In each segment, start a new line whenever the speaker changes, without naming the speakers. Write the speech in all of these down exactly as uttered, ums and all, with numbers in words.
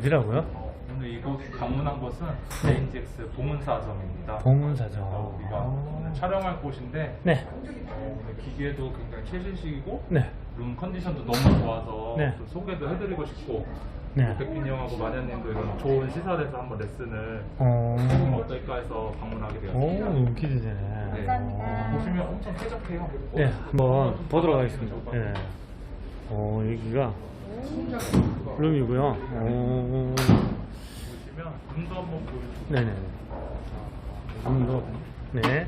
어디라고요?
어, 오늘 이곳 방문한 곳은
네.
레인지엑스 봉은사점입니다.
봉은사점.
어, 우리가
아.
촬영할 곳인데
네.
어, 오늘 기계도 굉장히 최신식이고
네.
룸 컨디션도 너무 좋아서
네.
좀 소개도 해드리고 싶고
네.
백빈 형하고 마녀님도 이런 좋은 시설에서 한번 레슨을
어.
해보면 어떨까 해서 방문하게
오,
되었습니다.
너무 기대되네.
네.
감사합니다.
보시면 엄청 쾌적해요.
네, 한번 보도록 하겠습니다. 네. 어, 여기가 룸이고요. 오.
보시면 룸도 한번 보여주세요.
네네. 룸도. 네.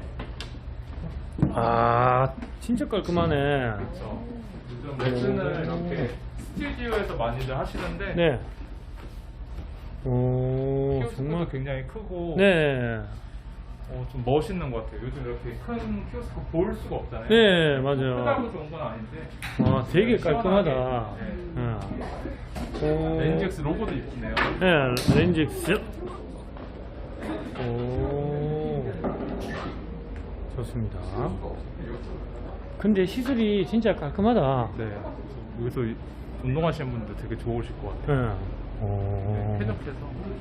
아, 진짜 깔끔하네.
그렇죠. 요즘 레슨을 이렇게 스튜디오에서 많이들 하시는데
네. 오,
키오스크도
정말.
굉장히 크고
네.
어, 좀 멋있는 것 같아요. 요즘 이렇게 큰 키오스크 볼 수가 없잖아요.
네, 맞아요.
크다고 좋은 건 아닌데
와, 되게 깔끔하다.
시원하게.
네. 오.
렌즈엑스 로고도 이쁘네요.
네, 렌즈엑스. 오. 좋습니다. 근데 시술이 진짜 깔끔하다.
네. 여기서 이- 운동하시는 분들 되게 좋으실 것 같아요.
네. 오.
쾌적해서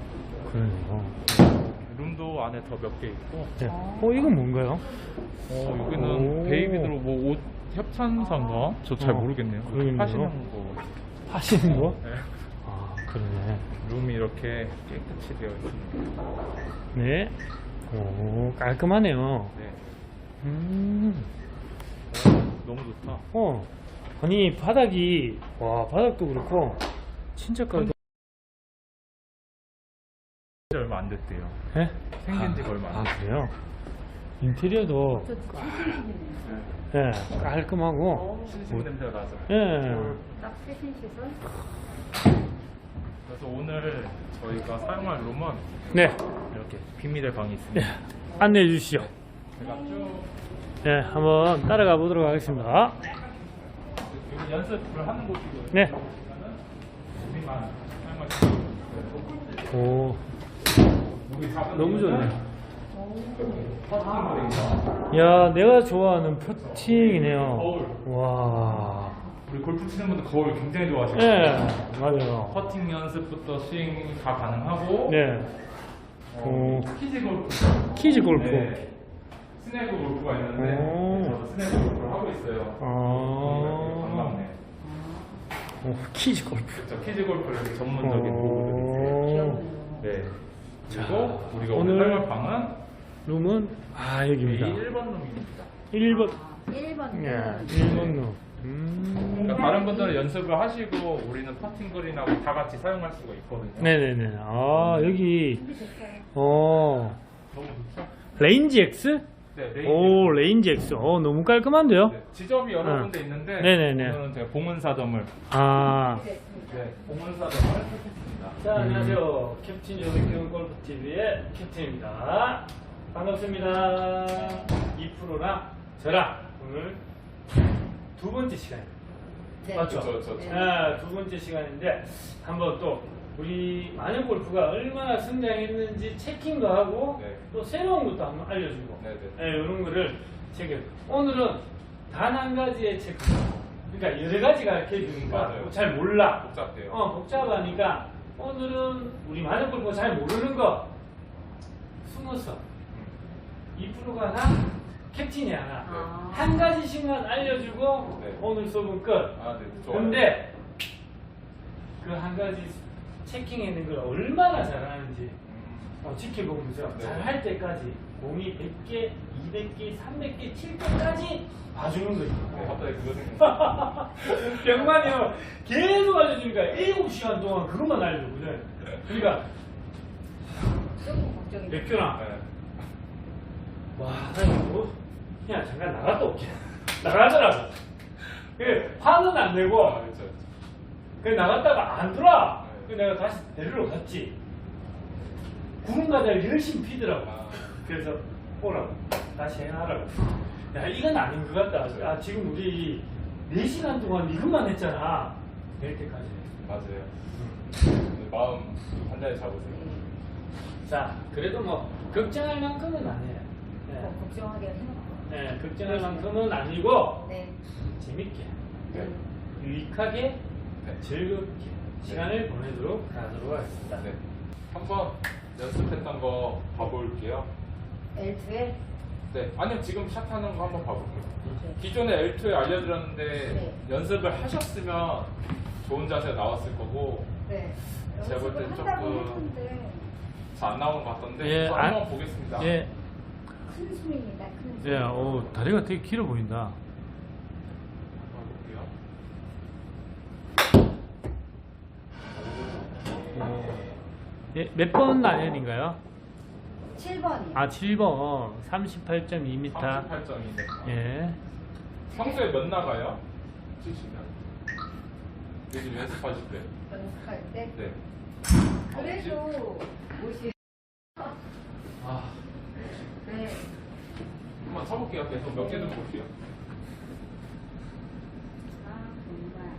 그러네요.
룸도 안에 더 몇 개 있고
네. 어, 이건 뭔가요?
어, 여기는
오.
베이비드로 뭐 옷 협찬사인가? 저 잘
어,
모르겠네요.
그러겠네요.
하시는 거.
하시는 거?
네.
아, 그러네.
룸이 이렇게 깨끗이 되어 있습니다.
네. 오, 깔끔하네요.
네.
음.
어, 너무 좋다.
어. 아니, 바닥이, 와, 바닥도 그렇고, 진짜 깔끔.
얼마 안 됐대요.
예?
생긴 지가 얼마 안
아,
됐어요.
그래요? 인테리어도,
저 최신식이네요.
예, 깔끔하고,
신신 냄새가 나죠.
예.
딱 최신 시설.
그래서 오늘 저희가 사용할 룸은
네.
이렇게 비밀의 방이
네.
있습니다.
안내해 주시죠.
제가 쭉
네, 한번 따라가 보도록 하겠습니다.
여기 연습을 하는 곳이고요.
네.
우리만 사용할 수 있어요.
오,
우리 작은
너무 좋네.
퍼팅볼입니다.
야, 내가 좋아하는 퍼팅이네요.
거울.
와.
우리 골프 치는 분들 거울 굉장히 좋아하시죠?
네, 맞아요.
퍼팅 연습부터 스윙 다 가능하고
네.
어,
오.
키즈 골프
키즈 골프.
네. 스네그 골프가 있는데
오.
저도 스네그 골프를 하고 있어요.
아.
반갑네.
오, 키즈 골프.
그렇죠. 키즈 골프를 이렇게 전문적인
오.
도구들이 있어요. 네. 그리고 우리가 오늘
오늘
사용할 방은
룸은, 아,
이
여기입니다.
일 번 룸입니다.
일 번.
일 번.
예, 일 번 룸. 음.
그러니까 다른 분들은 연습을 하시고 우리는 퍼팅 그린하고 다 같이 사용할 수가 있거든요.
네네네. 아, 여기,
준비됐어요.
어,
너무 좋죠?
레인지 X?
네, 레인.
오, 레인지 X. 어, 너무 깔끔한데요?
네, 지점이 여러
어.
군데 있는데
네네네.
오늘은 제가 봉은사점을
아.
네, 봉은사점을 택했습니다.
자, 안녕하세요. 캡틴 조백경 골프티비의 캡틴입니다. 반갑습니다. 이 프로랑 저랑 오늘 두 번째 시간입니다.
네.
맞죠?
그렇죠, 그렇죠.
네, 두 번째 시간인데 한번 또 우리 마녀 골프가 얼마나 성장했는지 체킹도 하고
네.
또 새로운 것도 한번 알려주고
네네.
네, 이런 거를 체크. 오늘은 단 한 가지의 체크. 그러니까 여러 가지가 이렇게 해주니까
맞아요.
잘 몰라.
복잡해요.
어, 복잡하니까 오늘은 우리 마녀 골프가 잘 모르는 거 숨어서 이 프로가 하나, 캡틴이 하나
아.
한 가지씩만 알려주고
네.
오늘 수업은 끝.
아, 네, 좋아요.
근데 그 한 가지 체킹해낸 걸 얼마나 잘하는지
음,
어, 지켜보면서
네.
잘할 때까지 공이 백 개, 이백 개, 삼백 개 칠 때까지 봐주는 거죠.
네, 갑자기 그거 생각났어요.
병만이 형 계속 알려주니까 일곱 시간 동안 그것만 알려주거든. 그러니까
조금 걱정이 돼요.
맥주나
네.
와, 나 이거 그냥 잠깐 나갔다 올게. 나가더라고. 그 화는 안 내고
아, 그렇죠. 그렇죠.
그 나갔다가 안 들어와.
네.
그 내가 다시 데리러 갔지. 구름과자를 열심히 피더라고.
아.
그래서 오라고 다시 해하라고. 야, 이건 아닌 것 같다. 아, 지금 우리 네 시간 동안 이것만 했잖아. 될 때까지.
맞아요. 네, 마음 단단히 잡으세요.
자, 그래도 뭐 걱정할 만큼은 아니에요. 네,
어, 걱정하기가 생각나요.
네, 걱정할 만큼은 아니고
네.
재밌게,
네.
유익하게,
네.
즐겁게, 시간을 보내도록 하도록 하겠습니다.
네. 한번 연습했던 거 봐볼게요.
엘 투에
네. 아니요, 지금 샷하는 거 한번 봐볼게요. 기존에 엘 투에 알려드렸는데
네.
연습을 하셨으면 좋은 자세가 나왔을 거고
네.
제가 볼 땐
연습을 한다고
조금
했는데
잘 안 나오는 것 같던데
예,
저
안-
한번 보겠습니다.
예,
큰 스윙이다. 큰 스윙.
예, 오, 다리가 되게 길어 보인다.
볼게요.
예, 몇 번 아연인가요?
칠 번이요.
아, 칠 번. 삼십팔 점 이 미터.
삼십팔 점이네.
예.
평소에 몇 나가요? 치시면 요즘 연습하실 때.
연습할 때.
네.
그래도 옷이.
아,
네.
한번 쳐볼게요. 계속 몇 개든 볼게요.
아 정말.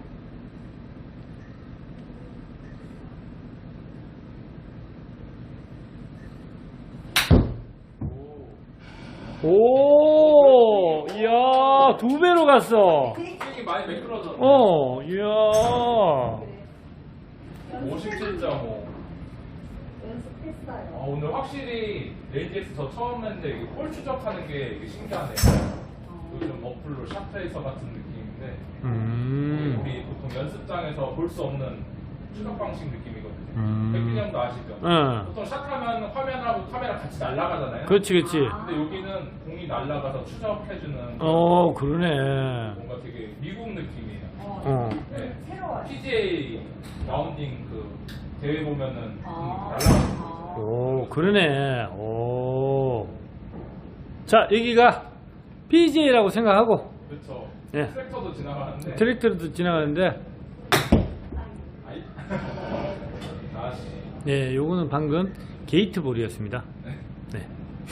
오.
오, 이야, 두 배로 갔어.
스윙이 많이 매끄러졌네.
어, 이야.
그래.
오십칠 점 오. 아,
연습했어요.
오늘 확실히 에이지엑스 저 처음 했는데 이게 볼 추적하는 게 이게 신기하네요.
어.
그 좀 어플로 샷트레이서 같은 느낌인데
음.
우리 보통 연습장에서 볼 수 없는 추적 방식 느낌이거든요.
음.
백빈 형도 아시죠?
응.
보통 샷하면 화면하고 카메라 같이 날아가잖아요.
그렇지, 그렇지.
근데 여기는 공이 날아가서 추적해주는
어, 그러네.
뭔가 되게 미국 느낌이에요.
어.
어.
네.
새로워요.
피지에이 라운딩 그 대회 보면은
아.
공 날아가는 거.
아.
오, 그러네. 오. 자, 여기가 피지에이라고 생각하고,
그렇죠.
예.
트랙터도 지나가는데.
트랙터도 지나가는데,
아이. 다시.
네, 요거는 방금 게이트볼이었습니다.
네.
네.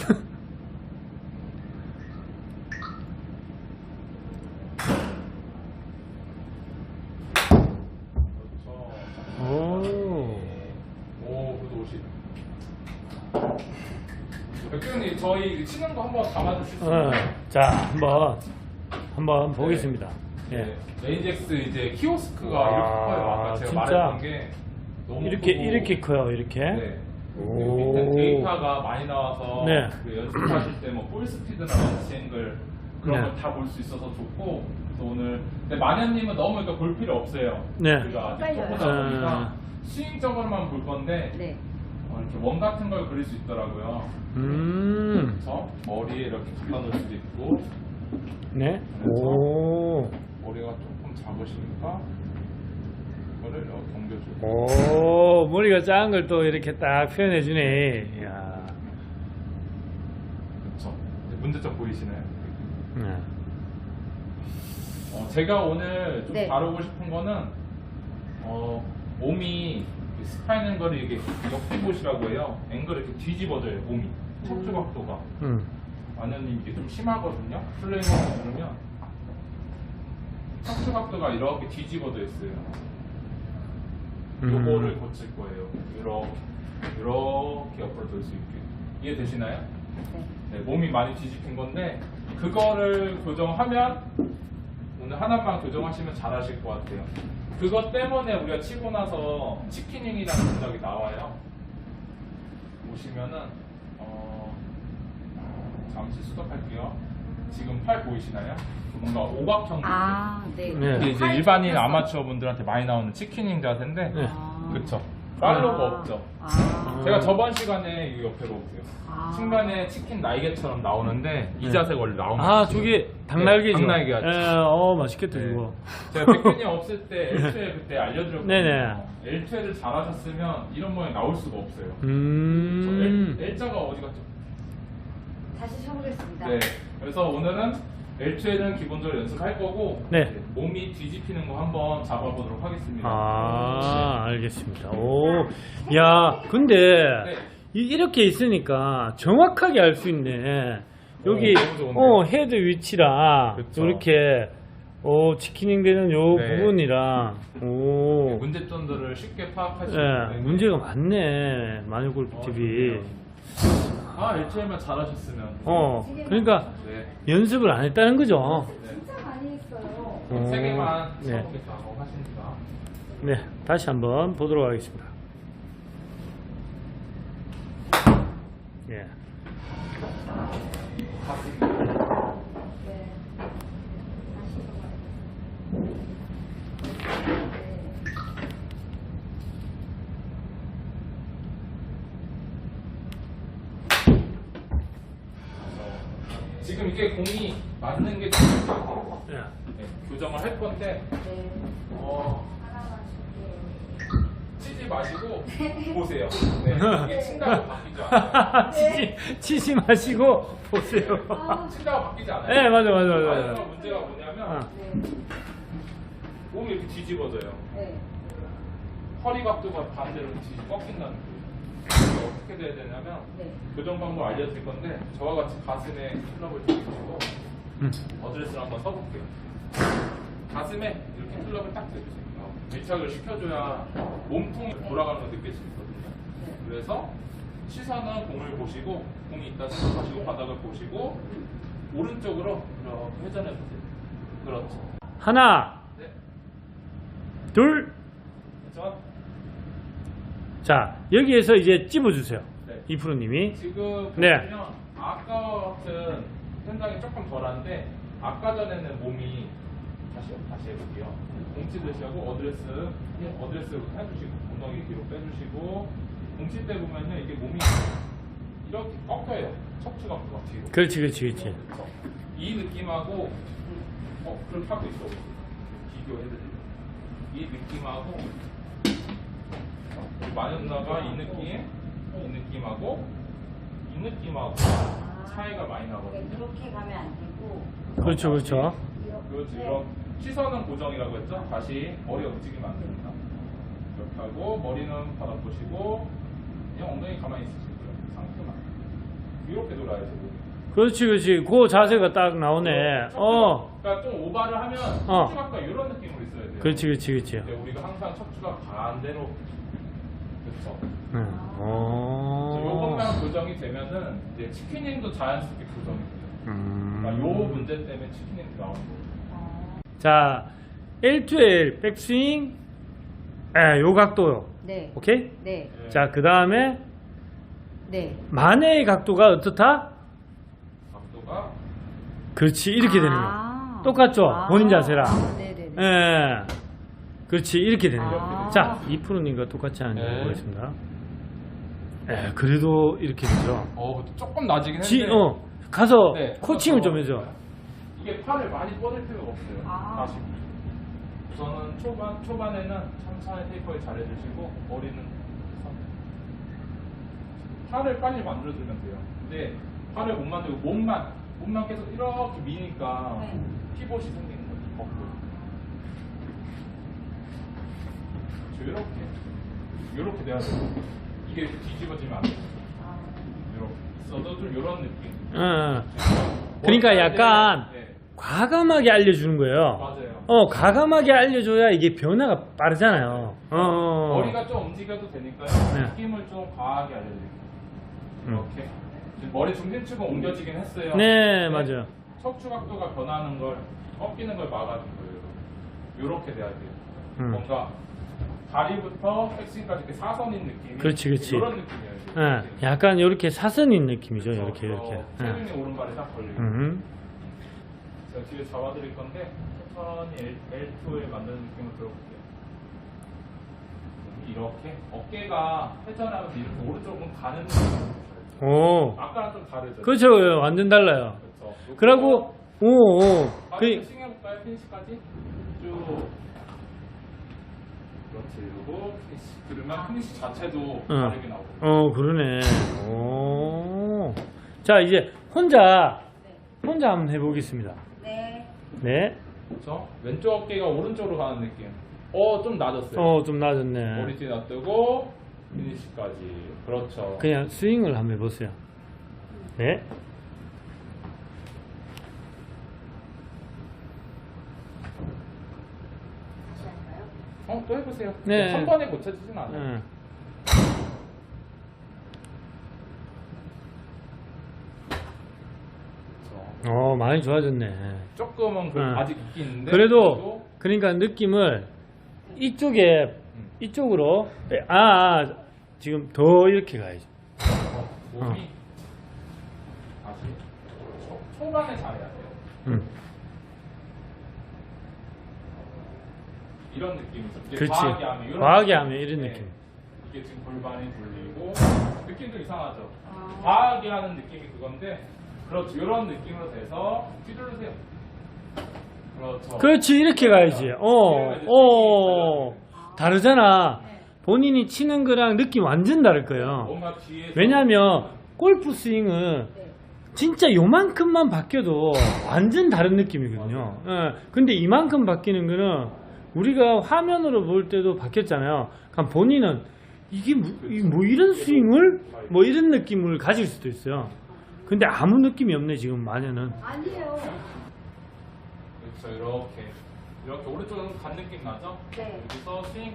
그렇죠.
오.
오, 그래도 오십. 백병님 저희 치는 거 한번 담아주실 수 있나요?
어, 자, 한번, 한번 보겠습니다. 예.
에이지엑스 이제 키오스크가
아,
이렇게 커요. 아까 제가
진짜?
말했던 게 너무
이렇게,
크고.
이렇게 커요, 이렇게.
네.
오.
밑에 데이터가 많이 나와서
네.
그 연습하실 때 뭐 볼 스피드나 런치 앵글 그런
네.
걸 다 볼 수 있어서 좋고 그래서 오늘 근데 마녀님은 너무 그러니까 볼 필요 없어요.
네.
우리가 아직
헷갈려요.
초보다 보니까
음.
스윙적으로만 볼 건데
네.
어, 이렇게 원 같은 걸 그릴 수 있더라고요.
음.
그래서 머리에 이렇게 갖다 놓을 수도 있고
네.
그래서
오.
머리가 조금 작으시니까 이거를 이렇게 옮겨주고
오, 머리가 작은 걸 또 이렇게 딱 표현해주네. 이야.
그렇죠. 문제점 보이시나요?
네.
어, 제가 오늘 좀
네.
다루고 싶은 거는 어, 몸이 스파인 앵글이 이게 역비봇이라고 해요. 앵글을 이렇게 뒤집어져요. 몸이 척추 각도가.
음.
마녀님 이게 좀 심하거든요. 플레이어를 누르면 척추 각도가 이렇게 뒤집어져 있어요.
음.
요거를 고칠 거예요. 이렇게 이렇게 옆으로 돌 수 있게. 이해되시나요?
네.
네, 몸이 많이 뒤집힌 건데 그거를 교정하면 오늘 하나만 교정하시면 잘하실 것 같아요. 그것 때문에 우리가 치고 나서 치킨닝이라는 동작이 나와요. 보시면은 어, 잠시 스톱할게요. 지금 팔 보이시나요? 뭔가 오각형.
아, 네.
네.
이게 이제 일반인 아마추어 분들한테 많이 나오는 치킨닝 자세인데,
네.
아.
그렇죠. 팔로우가
아.
없죠.
아.
제가 저번 시간에 이 옆에로 오세요.
아.
중간에 치킨 날개처럼 나오는데 이
네.
자세가 원래 나오는
아,
거죠.
저게 닭날개죠.
네, 닭날개 같죠.
예, 어, 맛있겠다,
네.
이거.
제가 백근이 없을 때 엘 투 에 그때 알려드렸거든요.
네네.
엘 투 에를 잘하셨으면 이런 모양이 나올 수가 없어요.
음.
저 L, L자가 어디 갔죠?
다시 쳐보겠습니다.
네. 그래서 오늘은 엘 투 에는 기본적으로 연습할 거고
네.
이제 몸이 뒤집히는 거 한번 잡아보도록 하겠습니다.
아, 알겠습니다. 오, 야, 근데
네.
이- 이렇게 있으니까 정확하게 알 수 있네. 여기
오, 너무 좋은데요?
어, 헤드 위치랑
그쵸.
이렇게 어, 치키닝 되는 요
네.
부분이랑 오,
문제점들을 쉽게 파악할 수
예,
있는데
문제가 많네. 마녀골프 티비.
아, 엘 투 에만 잘하셨으면
어, 그러니까
네.
연습을 안 했다는 거죠.
네.
진짜 많이 했어요.
어,
세 개만
네.
쳐보겠다고 하십니다.
네, 다시 한번 보도록 하겠습니다. 예.
네. 다시 해봐요.
지금 이게 공이 맞는 게 중요해요.
예.
네, 교정을 할 건데
네.
어,
하나만 줄게요.
치지 마시고 보세요. 네, 이게 친다고 바뀌지 않아요.
치지, 치지 마시고 보세요.
아,
친다고 바뀌지 않아요.
네, 맞아, 맞아, 맞아.
마지막
맞아.
문제가 뭐냐면
어.
네.
몸이 이렇게 뒤집어져요.
네.
허리 각도가 반대로 뒤집 꺾인다는 거예요. 그래서 어떻게 돼야 되냐면
네.
교정 방법 알려드릴 건데 저와 같이 가슴에 클럽을 대주시고
음.
어드레스를 한번 써볼게요. 가슴에 이렇게 클럽을 딱 대주세요. 밀착을 시켜줘야 몸통이 돌아가는 걸 느낄 수 있거든요.
네.
그래서 시선은 공을 보시고 공이 있다 생각하시고 바닥을 보시고 오른쪽으로 이렇게 회전해 보세요. 그렇죠.
하나,
네.
둘.
그렇죠.
자, 여기에서 이제 찝어주세요.
네.
이프로님이.
지금
네.
보시면 아까 같은 현장이 조금 덜한데 아까 전에는 몸이 다시 다시 해볼게요. 공치 드시고 어드레스 어드레스 해주시고 엉덩이 뒤로 빼주시고 공치 때 보면은 이게 몸이 이렇게 꺾여요. 척추가 뒤로.
그렇지, 그렇지, 그렇지.
그렇죠. 이 느낌하고 어 그렇게 하고 있어. 비교해드릴게요. 이 느낌하고 우리 마녀 누나가 이 느낌, 이 느낌하고 이 느낌하고 차이가 많이 나거든요.
이렇게 가면 안 되고.
그렇죠, 그렇죠.
그렇지. 이런 시선은 고정이라고 했죠. 다시 머리가 움직이면 안 됩니다. 이렇게 하고 머리는 바닥 보시고 그냥 엉덩이 가만히 있으시고요. 상태만 이렇게 돌아야죠.
그렇지, 그렇지. 그 자세가 딱 나오네. 어.
그러니까 좀 오바를 하면
어.
척추가 이런 느낌으로 있어야 돼요.
그렇지, 그렇지, 그렇지.
근데 우리가 항상 척추가 반대로 그렇죠.
응. 어.
요것만 교정이 되면은 이제 치킨닝도 자연스럽게 교정이 돼요. 그러니까 요
음.
문제 때문에 치킨닝이 나오는 거예요.
자, 엘 투 엘 백스윙. 에, 요 각도요.
네.
오케이?
네.
네.
자, 그 다음에
네.
만회의 각도가 어떻다?
각도가
그렇지, 이렇게 되는 거.
아.
똑같죠?
아.
본인 자세랑.
아, 네네네.
예. 그렇지, 이렇게 되는 거.
아.
자, 이 프로님과 똑같이 하는 거
네.
보겠습니다. 예, 그래도 이렇게 되죠.
어 조금 낮이긴 했는데
지, 어, 가서
네,
코칭을
가서
좀 해줘.
이게 팔을 많이 뻗을 필요가 없어요.
아.
다시 우선은 초반 초반에는 천천히 테이퍼에 잘 해주시고 머리는 팔을 빨리 만들어주면 돼요. 근데 팔을 못 만들고 몸만 몸만 계속 이렇게 미니까
네.
피봇이 생기는 거죠. 거꾸로. 이렇게 이렇게 돼야 돼요. 이게 뒤집어지면 안 돼요.
아.
이렇게 있어도 좀 이런 느낌.
어, 어. 그러니까 약간
네.
과감하게 알려주는 거예요.
맞아요.
어, 과감하게 알려줘야 이게 변화가 빠르잖아요. 어, 어.
머리가 좀 움직여도 되니까요.
네.
느낌을 좀 과하게 알려드릴게요.
음.
이렇게. 지금 머리 중심축은 옮겨지긴 했어요.
네, 맞아요.
척추 각도가 변하는 걸, 꺾이는 걸 막아준 거예요. 이렇게 돼야 돼요.
음.
뭔가 다리부터 백스윙까지 이렇게 사선인 느낌이.
그렇지, 그렇지.
이런 느낌이에요.
예, 약간 이렇게 사선인 느낌이죠.
그렇죠.
이렇게, 이렇게.
어,
예.
체중이 오른발에 딱 걸리고.
음.
제가 뒤에 잡아드릴 건데, 천천히 엘 투에 만드는 느낌을 들어볼게요. 이렇게 어깨가 회전하면 이렇게 오른쪽은 가는 느낌이에요.
오.
아까랑 좀 다르죠?
그렇죠. 완전 달라요.
그렇죠.
그러고, 오, 오.
그
그,
싱해볼까요? 피니시까지? 쭉. 그렇지. 그리고 피니시. 그러면 피니시 자체도 다르게 나오고.
어, 그러네. 오. 자, 이제 혼자, 혼자 한번 해보겠습니다.
네.
네.
그렇죠? 왼쪽 어깨가 오른쪽으로 가는 느낌. 어, 좀 낮았어요.
어, 좀 낮았네.
머리 뒤에 놔두고 피니시까지. 그렇죠.
그냥 스윙을 한번 해보세요. 네.
다시 할까요?
어, 또 해보세요.
네.
한 번에 고쳐지진 않아요.
응.
그렇죠.
어, 많이 좋아졌네.
조금은 그
응.
아직 있긴 있는데
그래도, 그러니까 느낌을 이쪽에 이쪽으로 아, 아 지금 더 이렇게 가야죠.
어, 몸이 아직 초, 초반에 잘해야 돼요.
음.
이런 느낌이죠. 이제
그렇지.
과하게 하면 이런
과하게
느낌.
하면 이런
네.
느낌.
이게 지금 골반이 돌리고 느낌도 이상하죠.
아.
과하게 하는 느낌이 그건데 그렇죠. 이런 느낌으로 돼서 휘두르세요. 그렇죠.
그렇지 이렇게 가야지. 어, 어 다르잖아. 본인이 치는 거랑 느낌 완전 다를 거예요.
뭔가 뒤에서
왜냐면 골프 스윙은
네.
진짜 요만큼만 바뀌어도 완전 다른 느낌이거든요. 예, 근데 이만큼 바뀌는 거는 우리가 화면으로 볼 때도 바뀌었잖아요. 그럼 본인은 이게 뭐, 이게 뭐 이런 스윙을 뭐 이런 느낌을 가질 수도 있어요. 근데 아무 느낌이 없네 지금 마녀는.
아니에요.
그렇죠. 이렇게 이렇게 오른쪽은 간 느낌 나죠?
네.
여기서 스윙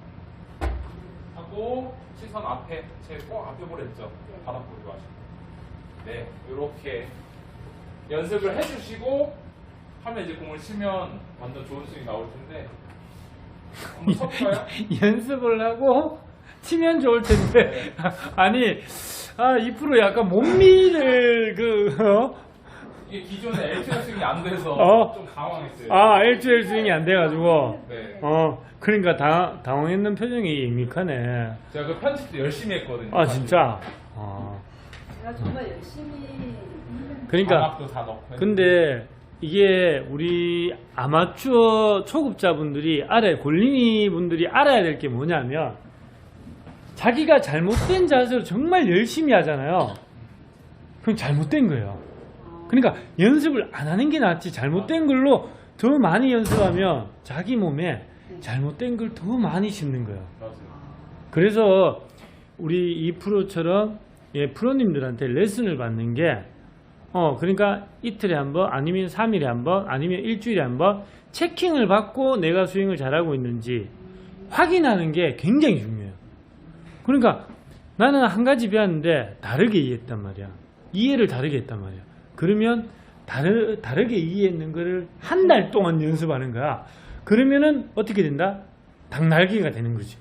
하고 시선 앞에 제 꼭 앞에 보랬죠?
네.
바닥 보고 하시고 네 이렇게 연습을 해주시고 하면 이제 공을 치면 완전 좋은 스윙이 나올 텐데 한번 쳐볼까요?
연습을 하고 치면 좋을 텐데 아니 아 이 프로 약간 몸미를 그 어?
이게 기존에 엘티오 스윙이 안 돼서
어?
좀 당황했어요.
아 엘투엘 스윙이 안 돼가지고
네.
어 그러니까 당, 당황했는 표정이 밋밋하네.
제가 그 편집도 열심히 했거든요.
아 진짜. 아
제가 정말 열심히
그러니까
자막도 다 넣고
근데 이게 우리 아마추어 초급자분들이 알아야 골린이 분들이 알아야 될 게 뭐냐면 자기가 잘못된 자세로 정말 열심히 하잖아요. 그럼 잘못된 거예요. 그러니까 연습을 안 하는 게 낫지 잘못된 걸로 더 많이 연습하면 자기 몸에 잘못된 걸 더 많이 심는 거예요.
맞아요.
그래서 우리 이 프로처럼 예, 프로님들한테 레슨을 받는 게 어, 그러니까 이틀에 한 번, 아니면 삼 일에 한 번, 아니면 일주일에 한 번 체킹을 받고 내가 스윙을 잘하고 있는지 확인하는 게 굉장히 중요해요. 그러니까 나는 한 가지 배웠는데 다르게 이해했단 말이야. 이해를 다르게 했단 말이야. 그러면 다르, 다르게 이해했는 거를 한 달 동안 연습하는 거야. 그러면은 어떻게 된다? 닭날개가 되는 거지.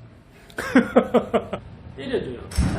때려줘요.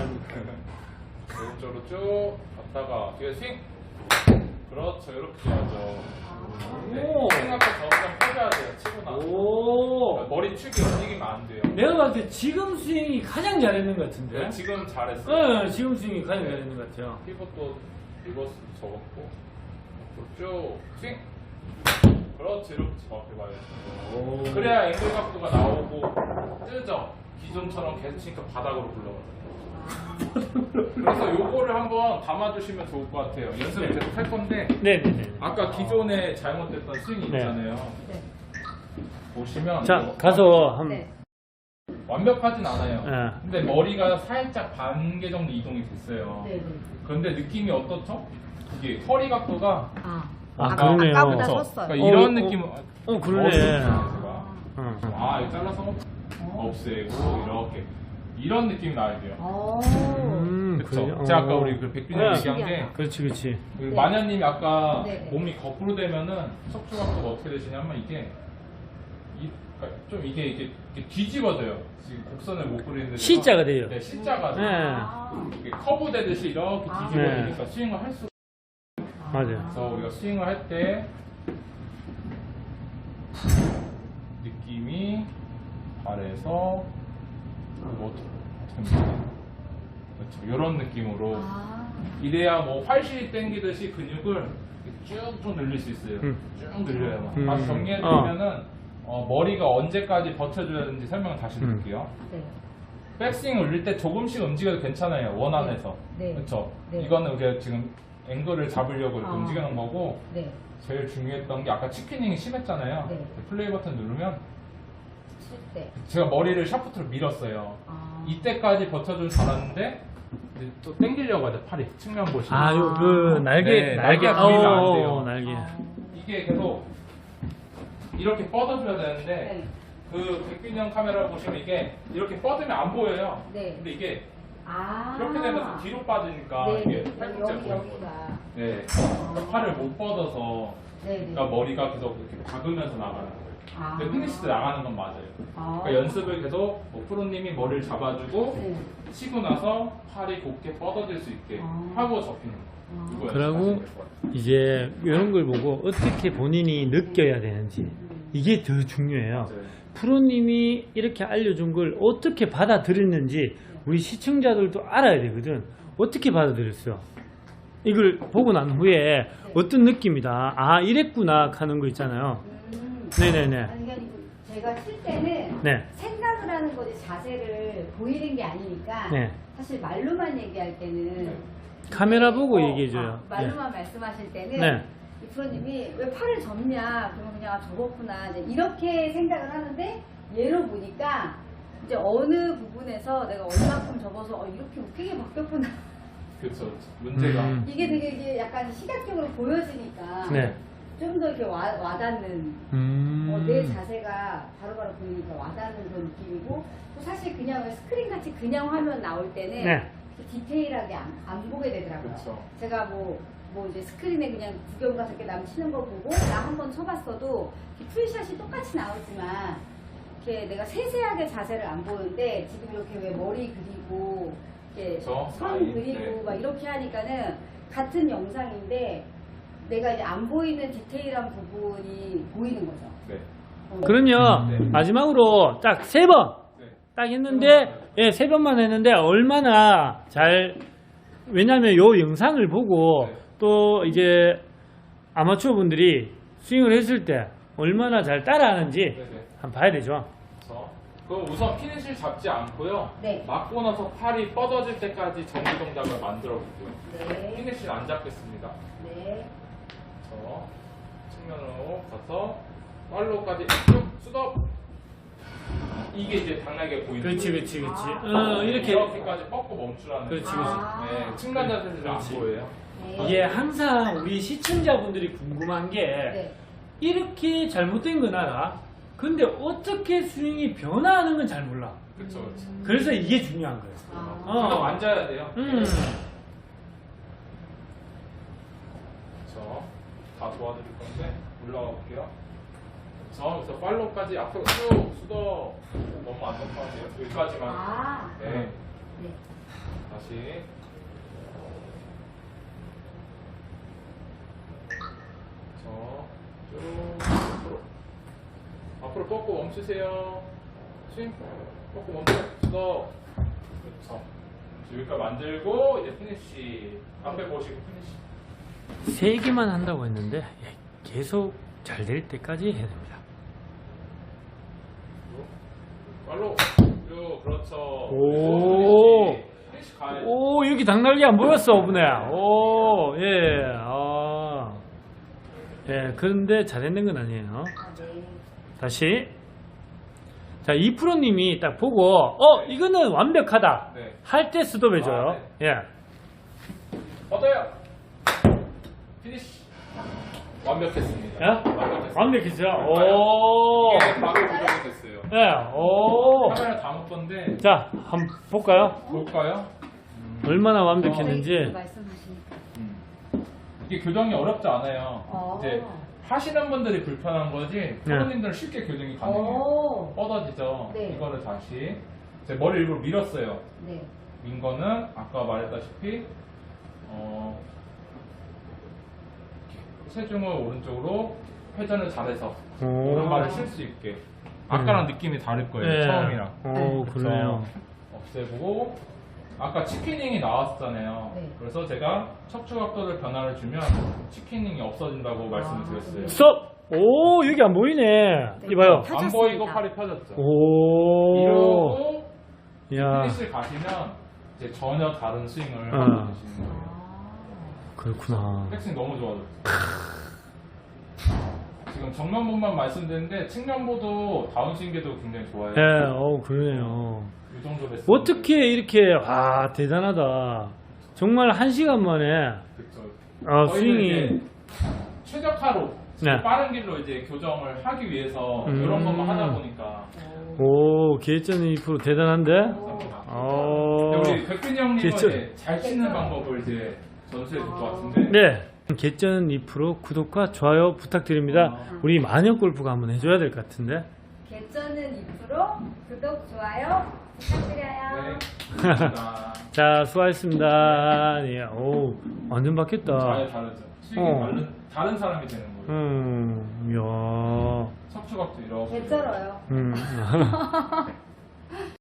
오른쪽으로 쭉 갔다가 뒤에 스윙. 그렇죠. 이렇게 해야죠. 네.
오.
생각보다 점점 펴줘야 돼요. 치고 나서.
오.
머리 축이 움직이면 안 돼요.
내가 봤을 때 지금 스윙이 가장 잘했는 것 같은데.
네, 지금 잘했어요.
네, 지금 스윙이 가장 잘했는 것 같아요.
피벗도 리버스 접었고 앞으로 쭉 스윙. 그렇지. 이렇게 정확히 봐야죠.
오.
그래야 앵글 각도가 나오고 뜨죠. 기존처럼 계속 치니까 바닥으로 굴러가요. 그래서 요거를 한번 담아주시면 좋을 것 같아요. 연습을
네.
계속 할 건데
네네네.
아까 기존에 잘못됐던 스윙이
네.
있잖아요.
네.
보시면
자,
이거
가서 한.
네.
완벽하진 않아요.
네.
근데 머리가 살짝 반 개 정도 이동이 됐어요.
네. 네.
그런데 느낌이 어떻죠? 이게 허리 각도가
아.
아,
아까,
그러네요.
아까보다
그쵸?
섰어요.
그러니까
어,
이런
어,
느낌.
어, 그러네. 응.
아, 이거 잘라서 없애고 이렇게 이런 느낌이 나야 돼요.
오.
음,
그렇죠.
그래요?
제가
어.
아까 우리 그 백빈이
네.
얘기한 게
신기하다.
그렇지, 그렇지.
그
네.
마녀님이 아까
네.
몸이 거꾸로 되면은 척추 각도가 어떻게 되시냐면 이게 이, 그러니까 좀 이게 이게, 이게 뒤집어져요. 지금 곡선을 못 그리는데
C자가 돼요.
네, C자가
네.
돼요.
아.
이게 커브 되듯이 이렇게
아.
뒤집어지니까 스윙을 할 수.
맞아요.
그래서 우리가 스윙을 할 때 느낌이 발에서 뭐 어떻게 어떻게 합니까? 그렇죠. 이런 느낌으로
아.
이래야 뭐 활실이 당기듯이 근육을 쭉쭉 늘릴 수 있어요.
음.
쭉 늘려요.
음.
다시 정리해드리면은 어, 머리가 언제까지 버텨줘야 되는지 설명을 다시
음.
드릴게요.
네.
백스윙 올릴 때 조금씩 움직여도 괜찮아요. 원 안에서.
네.
그렇죠.
네.
이거는 우리가 지금 앵글을 잡으려고 이렇게
아.
움직이는 거고
네.
제일 중요했던 게 아까 치킨닝이 심했잖아요.
네.
플레이 버튼 누르면
칠 때.
제가 머리를 샤프트로 밀었어요.
아.
이때까지 버텨주면 잘하는데 이제 또 당기려고 하죠. 팔이 측면 보시면.
아, 요, 그, 날개,
네,
날개,
날개가 보이면 안
어,
돼요.
날개.
아.
이게 계속 이렇게 뻗어줘야 되는데
네.
그 백균형 카메라 보시면 이게 이렇게 뻗으면 안 보여요.
네.
근데 이게
아.
이렇게 되면서 뒤로 빠지니까
네.
이게
네.
팔꿈치
여기,
보이는 거예요.
여기가.
네. 그러니까 팔을 못 뻗어서
네, 네.
그러니까 머리가 계속 이렇게 박으면서 나가는 거예요.
아.
근데 피니시도 나가는 건 맞아요.
아.
그러니까 연습을 계속 뭐 프로님이 머리를 잡아주고
네.
치고 나서 팔이 곧게 뻗어질 수 있게
아.
하고 접히는 거.
아.
이거
그러고
연습하시면 될것 같아요.
이제 이런 걸 보고 어떻게 본인이 느껴야 되는지
음.
이게 더 중요해요.
맞아요.
프로님이 이렇게 알려준 걸 어떻게 받아들였는지 우리 시청자들도 알아야 되거든. 어떻게 받아들였어? 이걸 보고 난 후에 어떤 느낌이다. 아, 이랬구나 하는 거 있잖아요.
음.
네네네.
아니, 그러니까 제가 칠 때는
네.
생각을 하는 거지 자세를 보이는 게 아니니까
네.
사실 말로만 얘기할 때는
카메라 보고
어,
얘기해줘요.
아, 말로만 말씀하실 때는
네.
이 프로님이 왜 팔을 접냐 그러면 그냥 아, 접었구나 이제 이렇게 생각을 하는데 얘로 보니까 이제 어느 부분에서 내가 얼마큼 접어서 어, 이렇게 웃기게 바뀌었구나
그렇죠. 문제가
음.
이게 되게 이게 약간 시각적으로 보여지니까
네.
좀 더 이렇게 와, 와닿는
음.
어, 내 자세가 바로바로 보이니까 와닿는 그런 느낌이고 또 사실 그냥 스크린 같이 그냥 화면 나올 때는
네.
디테일하게 안, 안 보게 되더라고요.
그쵸.
제가 뭐, 뭐 이제 스크린에 그냥 구경 가서 이렇게 남 치는 거 보고 나 한 번 쳐봤어도 이렇게 풀샷이 똑같이 나오지만 이렇게 내가 세세하게 자세를 안 보는데 지금 이렇게 왜 머리 그리고 이렇게
그쵸.
선
라인,
그리고
네.
막 이렇게 하니까는 같은 영상인데 내가 이제 안 보이는 디테일한 부분이 보이는 거죠.
네.
어.
그럼요.
네.
마지막으로 딱 세 번.
네.
딱 했는데, 예, 세 번만 했는데, 얼마나 잘, 왜냐면 요 영상을 보고,
네.
또 이제 아마추어 분들이 스윙을 했을 때, 얼마나 잘 따라하는지,
네네.
한번 봐야 되죠.
그래서 그 우선 피니시를 잡지 않고요.
네.
맞고 나서 팔이 뻗어질 때까지 정리 동작을 만들어 볼게요.
네.
피니시를 안 잡겠습니다.
네.
저 측면으로 가서 팔로우까지 쭉 수덕. 이게 이제 당나게 보이는
그렇지,
거예요.
그렇지, 그렇지.
아.
어, 이렇게.
이렇게까지 뻗고 멈추라는
그렇지,
거예요.
그렇지.
아.
네, 측면 자세는 안
그렇지.
보여요.
네.
이게 항상 우리 시청자분들이 궁금한 게,
네.
이렇게 잘못된 건 알아. 근데 어떻게 스윙이 변화하는 건 잘 몰라.
그렇죠, 그렇죠.
그래서 이게 중요한 거예요.
아.
어.
수덕 앉아야 돼요.
음.
그렇죠. 다 도와드릴 건데 올라가 볼게요. 그렇죠. 그래서 팔로우까지 앞으로 쭉 수덕. 너무 안 높아지요. 여기까지만.
아.
네.
네.
다시. 저, 쭉 앞으로. 앞으로 뻗고 멈추세요. 스윙. 뻗고 멈춰. 수덕. 그렇죠. 여기까지 만들고 이제 피니쉬. 앞에 보시고 피니쉬.
세 개만 한다고 했는데 예, 계속 잘 될 때까지 해야 됩니다.
팔로 쭉 그렇죠.
오.
피니쉬. 피니쉬 가야
오, 여기 당날개 안 보였어, 오분에. 오, 예, 아, 예, 그런데 잘했는 건 아니에요.
아, 네.
다시. 자, 이 프로님이 딱 보고, 어, 이거는 완벽하다.
네.
할 때 스톱해줘요.
아,
예.
뻗어요. 피니쉬. 완벽했습니다.
예?
완벽했습니다.
완벽했어요. 오.
이게 바로 고정이 됐어요.
예, 오.
카메라 다 못 건데
자, 한번 볼까요?
볼까요?
얼마나
네,
완벽했는지.
말씀하시니까.
음. 이게 교정이 어렵지 않아요.
어.
이제 하시는 분들이 불편한 거지 프로님들은 쉽게 교정이 가능해요.
오.
뻗어지죠.
네.
이거를 다시 제 머리 일부러 밀었어요.
네.
민 거는 아까 말했다시피 어, 체중을 오른쪽으로 회전을 잘해서
오.
오른발을 쉴 수 있게 아까랑 느낌이 다를 거예요.
예.
처음이랑
오, 그러네요.
없애보고 아까 치키닝이 나왔었잖아요.
네.
그래서 제가 척추 각도를 변화를 주면 치키닝이 없어진다고 말씀을 드렸어요.
스톱! 오, 여기 안 보이네. 이봐요.
안
펴졌습니다.
보이고 팔이 펴졌죠.
오.
이러고
야,
피니시를 가시면 이제 전혀 다른 스윙을
어.
하고 계시는 거예요.
아.
그렇구나.
백스윙 너무 좋아졌죠. 지금 정면보만 말씀드렸는데 측면보도 다운스윙계도 굉장히 좋아요.
예, 어, 그러네요.
이 정도 됐어요.
어떻게 이렇게, 와, 대단하다. 정말 한 시간 만에,
그쵸.
어,
저희는
스윙이,
이제 최적화로
네.
빠른 길로 이제 교정을 하기 위해서
음.
이런 것만 하다 보니까
오, 기회전 이 프로 대단한데?
감사합니다.
어,
근데 우리 백근이 형님은
진짜.
이제 잘 치는 방법을 이제 전수해 줄 것 같은데
네. 개쩌는 이 프로 구독과 좋아요 부탁드립니다. 우리 마녀 골프가 한번 해줘야 될 것 같은데.
개쩌는 이 프로 구독, 좋아요 부탁드려요.
네. 감사합니다.
자, 수고하셨습니다. 예, 오, 완전 바뀌었다.
잘 다르죠. 수익이
어.
다른, 다른 사람이 되는 거예요.
음, 이야.
척추각도 이렇게.
개쩔어요.
음.